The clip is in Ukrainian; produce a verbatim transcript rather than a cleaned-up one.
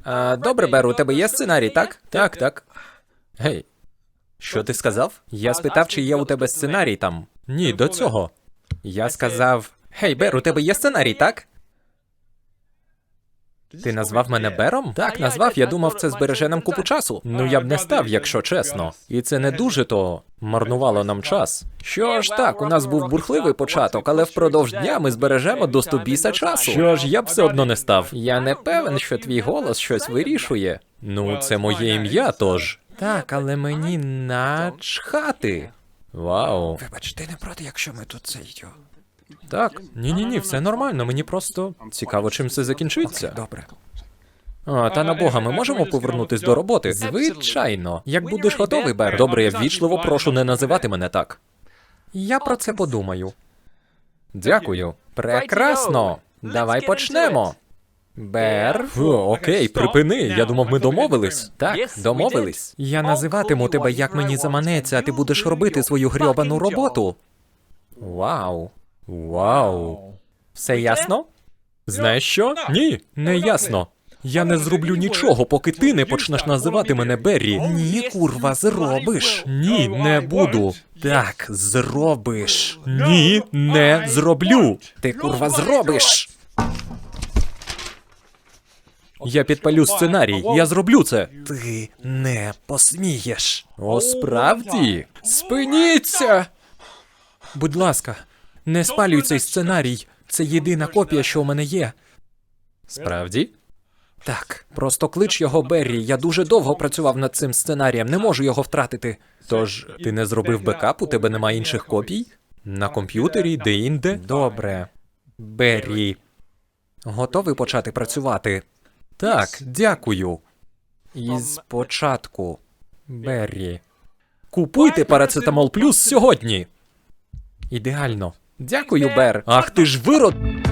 А, добре, Бер, у тебе є сценарій, так? Так, так. Гей, що ти сказав? Я спитав, чи є у тебе сценарій там. Ні, до цього. Я сказав: Гей, Бер, у тебе є сценарій, так? Ти назвав мене Бером? Так, назвав, я думав, це збереже нам купу часу. Ну, я б не став, якщо чесно. І це не дуже то марнувало нам час. Що ж так, у нас був бурхливий початок, але впродовж дня ми збережемо до сто біса часу. Що ж, я б все одно не став. Я не певен, що твій голос щось вирішує. Ну, це моє ім'я, тож. Так, але мені начхати. Вау. Вибач, ти не проти, якщо ми тут це йдемо? Так, ні-ні-ні, все нормально, мені просто цікаво, чим це закінчиться. Добре. А, та на Бога, ми можемо повернутись до роботи? Звичайно. Як будеш готовий, Бер. Добре, я ввічливо прошу не називати мене так. Я про це подумаю. Дякую. Прекрасно. Давай почнемо. Бер. Фу, окей, припини. Я думав, ми домовились. Так, домовились. Я називатиму тебе, як мені заманеться, а ти будеш робити свою грьобану роботу. Вау. Вау. Все ясно? Знаєш що? Ні, не ясно. Я не зроблю нічого, поки ти не почнеш називати мене Беррі. Ні, курва, зробиш. Ні, не буду. Так, зробиш. Ні, не зроблю. Ти, курва, зробиш. Я підпалю сценарій, я зроблю це. Ти не посмієш. О, справді? Спиніться! Будь ласка, не спалюй цей сценарій. Це єдина копія, що у мене є. Справді? Так, просто клич його Беррі. Я дуже довго працював над цим сценарієм, не можу його втратити. Тож, ти не зробив бекап, у тебе немає інших копій? На комп'ютері, де-інде? Добре. Беррі. Готовий почати працювати? Так, дякую. Із початку. Беррі. Купуйте парацетамол плюс сьогодні. Ідеально. Дякую, Бер. Ах ти ж вирод...